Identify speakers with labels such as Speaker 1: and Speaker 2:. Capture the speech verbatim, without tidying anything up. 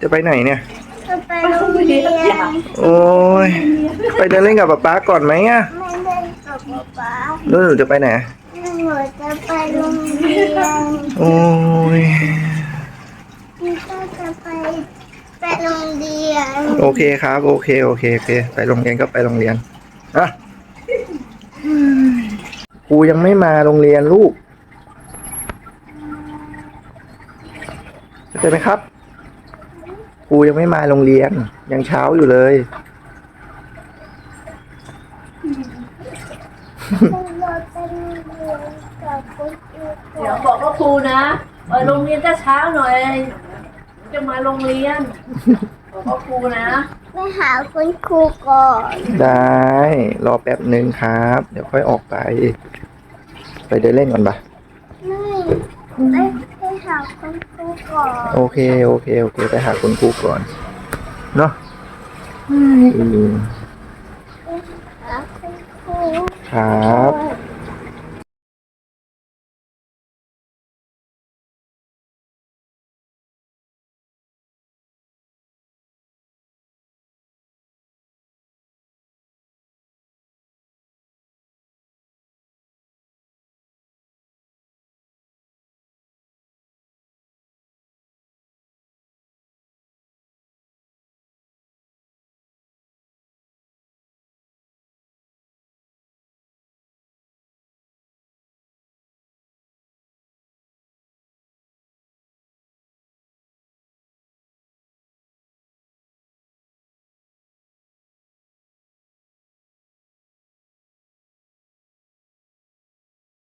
Speaker 1: จะไปไหนเนี่ย
Speaker 2: จะไปโรงเรียน
Speaker 1: โอ้ยไปเดินเล่นกับป๊าป๊าก่อนไหมอ่ะ
Speaker 2: ไม่เล่นกับป๊าป๊า
Speaker 1: แล้วหนูจะไปไหน
Speaker 2: หนูจะไปโรงเรียน
Speaker 1: โอ้ย
Speaker 2: พี่ก็จะไปไปโรงเรียน
Speaker 1: โอเคครับโอเคโอเคโอเคไปโรงเรียนก็ไปโรงเรียนอ่ะครูยังไม่มาโรงเรียนลูกเข้าใจไหมครับครูยังไม่มาโรงเรียนยังเช้าอยู่เลย
Speaker 2: เราไปโรงเรียนกับคุณครู
Speaker 3: เดี๋ยวบอกว่าครูนะไปโรงเรียนก็เช้าหน่อยจะมาโรงเรียนบอกว่าครูนะ
Speaker 2: ไปหาคุณครูก่อน
Speaker 1: ได้รอแป๊บหนึ่งครับเดี๋ยวค่อยออกไปไปเดินเล่นก่อนปะ
Speaker 2: ไม่ไปไปหาคุณครูก่อน
Speaker 1: โอเคโอเคโอเคไปหาคุณครูก่อนเนาะอืม
Speaker 2: ไปหาคุณครู
Speaker 1: ครับ